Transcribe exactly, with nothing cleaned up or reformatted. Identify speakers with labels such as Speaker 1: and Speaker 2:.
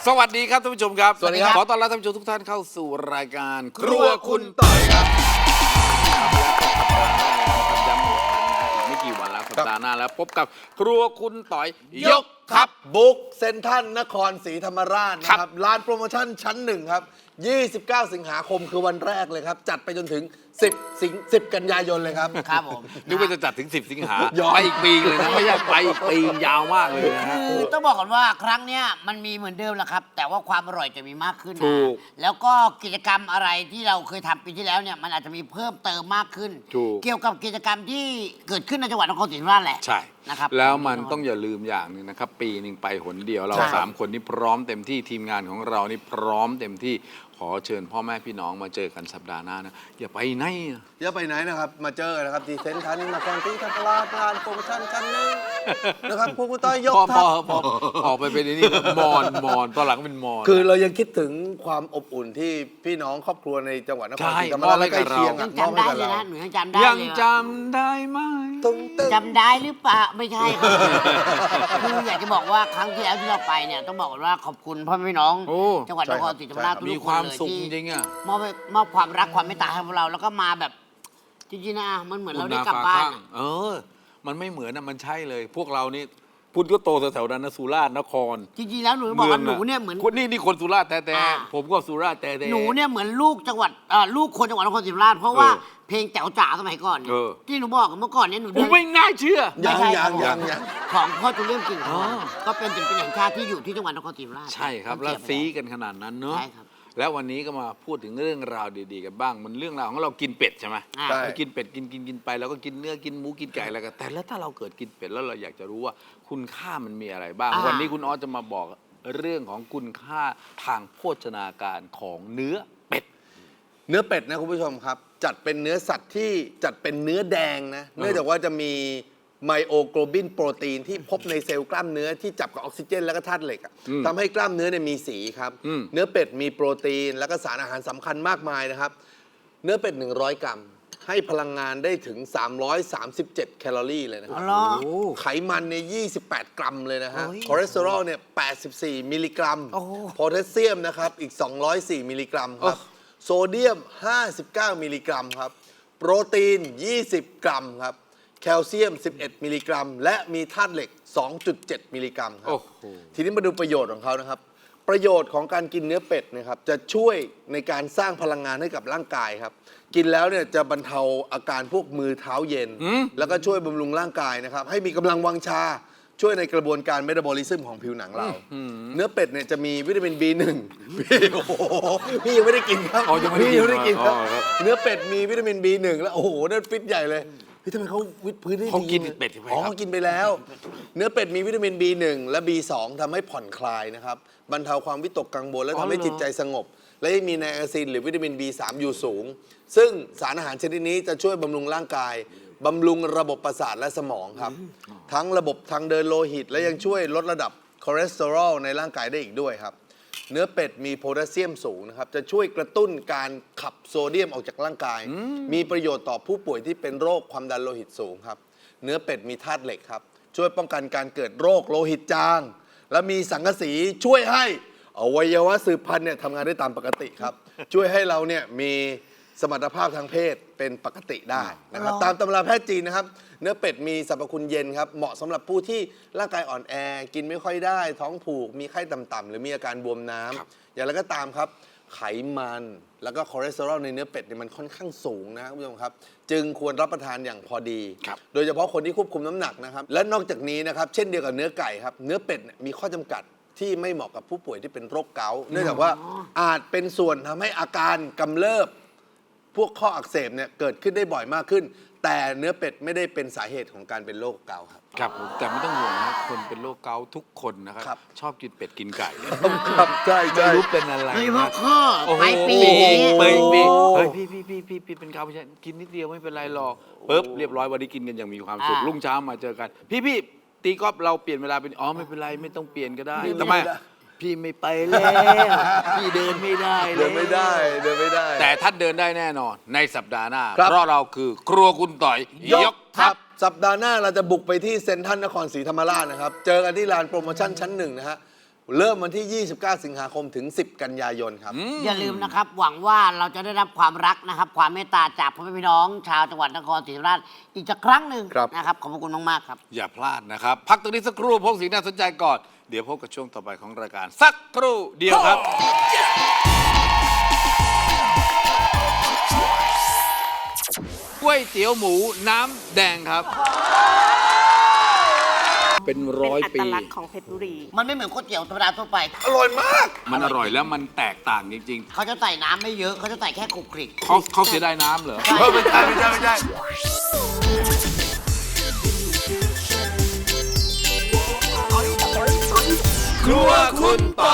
Speaker 1: สวัสดีครับท่านผู้ชมครับ
Speaker 2: สวัสดีครับ
Speaker 1: ขอต้อนรับท่านผู้ชมทุกท่านเข้าสู่รายการ
Speaker 2: ครัวคุณต่อยครับ
Speaker 1: ย้ำอีกครั้งนะอีกไม่กี่วันแล้วสัปดาห์หน้าแล้วพบกับครัวคุณต่อยยก
Speaker 2: ครับบุ๊กเซ็นทรัลนครศรีธรรมราชนะครับร้านโปรโมชั่นชั้นหนึ่งครับยี่สิบเก้าสิงหาคมคือวันแรกเลยครับจัดไปจนถึงสิบสิงสิบกันยายนเลยครับ
Speaker 3: ครับผม
Speaker 1: นึกว่าจะจัดถึงสิบสิงหา
Speaker 2: ย้อน
Speaker 1: ไปอีกปีเลยนะไม่ใช่ไปอีกปียาวมากเลยนะฮะ
Speaker 3: คือต้องบอกก่อนว่าครั้งเนี้ยมันมีเหมือนเดิมแหละครับ แต่ว่าความอร่อยจะมีมากขึ้นนะ
Speaker 1: ถูก
Speaker 3: แล้วก็กิจกรรมอะไรที่เราเคยทำปีที่แล้วเนี่ยมันอาจจะมีเพิ่มเติมมากขึ้น
Speaker 1: ถูก
Speaker 3: เกี่ยวกับกิจกรรมที่เกิดขึ้นในจังหวัดนครศรีธรรมราชแหละ
Speaker 1: ใช่
Speaker 3: นะครับ
Speaker 1: แล้วมันต้องอย่าลืมอย่างหนึงนะครับ ปีหนึ่งไปหนเดียวเรา
Speaker 3: ใช่
Speaker 1: สามคนนี่พร้อมเต็มที่ทีมงานของเรานี่พร้อมเต็มที่ขอเชิญพ่อแม่พี่น้องมาเจอกันสัปดาห์หน้านะอย่าไปไหนอะ
Speaker 2: อย่าไปไหนนะครับมาเจอกันนะครับที่เซ็นทรัลนครศรีธรรมราชร้านโปรโมชั่นชั้นหนึ่งนะครับครัวคุณต่อยยก
Speaker 1: พอพ
Speaker 2: ทั
Speaker 1: อ
Speaker 2: พ
Speaker 1: พอออกไปเป็นไอ้นี่แล้วมอนมอนตอนหลังเป็นมอน
Speaker 2: คือเรายังคิดถึงความอบอุ่นที่พี่น้องครอบครัวในจังหวัดนครศรีธรรมราช
Speaker 1: ใช่มอบให้
Speaker 2: และใกล้
Speaker 1: กับเรา
Speaker 2: เคียง
Speaker 3: ยั
Speaker 2: อะ
Speaker 3: ง
Speaker 2: มอบ
Speaker 3: จำ
Speaker 2: ให้
Speaker 3: ได้
Speaker 2: กับ
Speaker 3: เลย
Speaker 2: เรา
Speaker 3: นะหนูยังจำได้
Speaker 1: ยัง
Speaker 3: เลย
Speaker 1: จำได้ไหม
Speaker 2: ตึ้งตึ้ง
Speaker 3: จำได้หรือเปล่าไม่ใช่ครับ คืออยากจะบอกว่าครั้งที่แล้วที่เราไปเนี่ยต้องบอกก่อนว่าขอบคุณพ่อแม่พี่น้อง
Speaker 1: โอ้
Speaker 3: จังหวัดนครศรีธรรมราชทุ
Speaker 1: มี
Speaker 3: กๆ
Speaker 1: ค
Speaker 3: คน
Speaker 1: วาม
Speaker 3: เลย
Speaker 1: สุข
Speaker 3: ที่
Speaker 1: จริงๆอ่ะ
Speaker 3: มอบให้มอบความรักความเมตตาให้พวกเราแล้วก็มาแบบจริงๆนะมันเหมือนเราได้กลับบ้าน
Speaker 1: เออ มันไม่เหมือนนะมันใช่เลย พวกเรานี่พุทธก็โตแถวๆนั้นนะสุราษฎร์นคร
Speaker 3: จริงๆแล้วหนูบอกว่าหนูเนี่ยเหมือน
Speaker 1: คนนี่นี่คนสุราษฎร์แต่แต่
Speaker 3: อ่า
Speaker 1: ผมก็สุราษฎร์แต่แต่
Speaker 3: หนูเนี่ยเหมือนลูกจังหวัดเอ่อลูกคนจังหวัดนครศรีธรรมราชเพราะว่า
Speaker 1: เออ
Speaker 3: เพลงแจ๋วจ๋าสมัยก่อนเนี่ย
Speaker 1: เออ
Speaker 3: ที่หนูบอกเมื่อก่อนเนี่ยหนู
Speaker 1: กู
Speaker 3: เดิน
Speaker 1: ไม่น่าเชื่อ
Speaker 2: ยัง
Speaker 3: ไม่ใช่
Speaker 2: ยัง
Speaker 3: ครับ
Speaker 2: ยังยัง
Speaker 3: ของพ่อจุลเรื่องจริง
Speaker 1: อ๋อ
Speaker 3: ก็เป็นศิลปินแห่งชาติที่อยู่ที่จังหวัดนครศรีธรรมราช
Speaker 1: ใช่ครับ แล้วซีกันขนาดนั้นเนอะ
Speaker 3: ใช่ครับ
Speaker 1: แล้ววันนี้ก็มาพูดถึงเรื่องราวดีๆกันบ้าง มันเรื่องราวของเรากินเป็ดใช่ไหม
Speaker 3: อ่า
Speaker 2: ใช่
Speaker 1: เรากินเป็ดกินกินกินไปแล้วก็กินเนื้อกินหมูกินไก่อะไรกันแต่แล้วถ้าเราเกิดกินเป็ดแล้วเราอยากจะรู้ว่าคุณค่ามันมีอะไรบ้าง
Speaker 3: อ่า
Speaker 1: วันนี้คุณออสจะมาบอกเรื่องของคุณค่าทางโภชนาการของเนื้อเป็ด
Speaker 2: เนื้อเป็ดนะคุณผู้ชมครับ จัดเป็นเนื้อสัตว์ที่จัดเป็นเนื้อแดงนะเนื่องจากว่าจะมีไมโอโกลบินโปรตีนที่พบในเซลล์กล้ามเนื้อที่จับกับออกซิเจนและก็ธาตุเหล็กอะ
Speaker 1: อืม
Speaker 2: ทำให้กล้ามเนื้อเนี่ยมีสีครับ
Speaker 1: อืม
Speaker 2: เนื้อเป็ดมีโปรตีนและก็สารอาหารสำคัญมากมายนะครับ เนื้อเป็ด หนึ่งร้อย กรัม ให้พลังงานได้ถึง สามร้อยสามสิบเจ็ด แคลอรี่เลยนะค
Speaker 3: อ๋
Speaker 2: รั
Speaker 3: อบ เหรอ
Speaker 1: โอ้
Speaker 2: ไขมันเนี่ยยี่สิบแปด กรัมเลยนะฮะ
Speaker 3: โอ้ย
Speaker 2: คอเลสเตอรอลเนี่ยแปดสิบสี่ มิลลิกรัม
Speaker 3: โอ้โห
Speaker 2: โพแทสเซียมนะครับอีกสองร้อยสี่ มิลลิกรัมครับ โซเดียม ห้าสิบเก้า มิลลิกรัมครับ โปรตีน ยี่สิบ กรัมครับ แคลเซียม สิบเอ็ด มิลลิกรัม และมีธาตุเหล็ก สองจุดเจ็ด มิลลิกรัมครั
Speaker 1: โอ้
Speaker 2: บ
Speaker 1: โห
Speaker 2: ทีนี้มาดูประโยชน์ของเขานะครับ ประโยชน์ของการกินเนื้อเป็ดนะครับจะช่วยในการสร้างพลังงานให้กับร่างกายครับ กินแล้วเนี่ยจะบรรเทาอาการพวกมือเท้าเย็น
Speaker 1: อืม
Speaker 2: แล้วก็ช่วยบำรุงร่างกายนะครับ ให้มีกำลังวังชา ช่วยในกระบวนการเมตาบอลิซึมของผิวหนังเรา เนื้อเป็ดเนี่ยจะมีวิตามิน บี หนึ่ง พี่โอ้โหพี่ยังไม่ได้กินครับ
Speaker 1: อ๋อยังไม่ได้กิน
Speaker 2: พี่ยังไม่ได้กินครับ
Speaker 1: อ๋อครับ
Speaker 2: เนื้อเป็ดมีวิตามิน บี หนึ่ง แล้วโอ้โหนั่นฟิตใหญ่เลยเฮ้ยทำไมเขาวิตพื้นได้ดี
Speaker 1: เขากินเป็ดใช่ไหม
Speaker 2: อ๋อ
Speaker 1: ครับ
Speaker 2: เขากินไปแล้ว เนื้อเป็ดมีวิตามิน บี หนึ่ง และ บี สอง ทำให้ผ่อนคลายนะครับบรรเทาความวิตกกังวลและทำให้จิตใจสงบ และยังมีไนอาซินหรือวิตามิน บี สาม อยู่สูง ซึ่งสารอาหารชนิดนี้จะช่วยบำรุงร่างกายบำรุงระบบประสาทและสมองครับ ทั้งระบบทางเดินโลหิต และยังช่วยลดระดับคอเลสเตอรอลในร่างกายได้อีกด้วยครับ เนื้อเป็ดมีโพแทสเซียมสูงนะครับ จะช่วยกระตุ้นการขับโซเดียมออกจากร่างกาย มีประโยชน์ต่อผู้ป่วยที่เป็นโรคความดันโลหิตสูงครับ เนื้อเป็ดมีธาตุเหล็กครับ ช่วยป้องกันการเกิดโรคโลหิตจาง และมีสังกะสีช่วยให้อวัยวะสืบพันธุ์เนี่ยทำงานได้ตามปกติครับ ช่วยให้เราเนี่ยมีสมรรถภาพทางเพศเป็นปกติได้นะครับ ตามตำราแพทย์จีนนะครับ เนื้อเป็ดมีสรรพคุณเย็นครับ เหมาะสำหรับผู้ที่ร่างกายอ่อนแอ กินไม่ค่อยได้ ท้องผูก มีไข้ต่ำๆหรือมีอาการบวมน้ำอย่างไรก็ตามครับ ไขมันแล้วก็คอเลสเตอรอลในเนื้อเป็ดเนี่ยมันค่อนข้างสูงนะครับคุณผู้ชมครับ จึงควรรับประทานอย่างพอดี
Speaker 1: ครับ
Speaker 2: โดยเฉพาะคนที่ควบคุมน้ำหนักนะครับ และนอกจากนี้นะครับ เช่นเดียวกับเนื้อไก่ครับ เนื้อเป็ดเนี่ยมีข้อจำกัดที่ไม่เหมาะกับผู้ป่วยที่เป็นโรคเกาต์เนื่องจากว่าอาจเป็นส่วนทำให้อาการกำเริบ พวกข้ออักเสบเนี่ยเกิดขึ้นได้บ่อยมากขึ้น แต่เนื้อเป็ดไม่ได้เป็นสาเหตุของการเป็นโรคเกาต์ครับ
Speaker 1: ครับผมแต่ไม่ต้องห่วงนะคนเป็นโรคเกาต์ทุกคนนะครับ
Speaker 2: ครับ
Speaker 1: ชอบกินเป็ดกินไก่
Speaker 2: ครับใช่
Speaker 1: ไม่
Speaker 2: ใช่
Speaker 1: รู้เป็นอะไร
Speaker 3: โดยเฉพาะ
Speaker 1: นะ
Speaker 3: ข้อ
Speaker 1: โอ้โห
Speaker 3: ปลายปี
Speaker 1: ปี
Speaker 3: อย่างเงี้ย
Speaker 1: ปีปี
Speaker 2: โอ้
Speaker 1: เฮ้ยพี่พี่พี่พี่พี่เป็นเกาไม่ใช่กินนิดเดียวไม่เป็นไรหรอกปุ๊บเรียบร้อยวันนี้กินกันอย่างมีความสุข
Speaker 3: อ่า
Speaker 1: รุ่งเช้ามาเจอกัน พี่พี่ตีกอล์ฟเราเปลี่ยนเวลาเป็นอ๋อไม่เป็นไรไม่ต้องเปลี่ยนก็ได้
Speaker 2: ไม่
Speaker 1: ทำไม
Speaker 2: ได้
Speaker 1: พี่ไม่ไปแล้วพี่เดินไม่ได้
Speaker 2: เดินไม่ได้เดินไม่ได้
Speaker 1: แต่ท่านเดินได้แน่นอนในสัปดาห์หน้า
Speaker 2: ครับ
Speaker 1: เพราะเราคือครัวคุณต่อยยกทัพ
Speaker 2: สัปดาห์หน้าเราจะบุกไปที่เซ็นทรัลนครศรีธรรมราชนะครับ เจอกันที่ลานโปรโมชั่นชั้นหนึ่งนะฮะเริ่มวันที่ ยี่สิบเก้า สิงหาคมถึง สิบ กันยายนครับ
Speaker 3: อย่าลืมนะครับ หวังว่าเราจะได้รับความรักนะครับ ความเมตตาจากพ่อแม่พี่น้อง ชาวจังหวัดนครศรีธรรมราชอีกสักครั้งหนึ่ง
Speaker 2: ครับ
Speaker 3: นะครับ ขอบพระคุณมาก ๆ ครับ
Speaker 1: อย่าพลาดนะครับ พักตรงนี้สักครู่พบสิ่งน่าสนใจก่อน เดี๋ยวพบกับช่วงต่อไปของรายการ สักครู่เดียวครับ ก๋วยเตี๋ยวหมูน้ำแดงครับ เป็นร้อย
Speaker 4: เป็น
Speaker 1: ปี
Speaker 4: อัตลักษณ์ของเพชรบุรี
Speaker 3: มันไม่เหมือนก๋วยเตี๋ยวธรรมดาทั่วไป
Speaker 2: อร่อยมาก
Speaker 1: มันอร่อยแล้วมันแตกต่างจริง
Speaker 3: เขาจะใส่น้ำไม่เยอะเขาจะใส่แค่คลุกคลิก
Speaker 1: ๆเขาเขาเสียดายน้ำเหรอ
Speaker 2: เพิ่มไม่ใช่ไม่ใช่ไม่ใช่
Speaker 1: ครัวคุณต่อ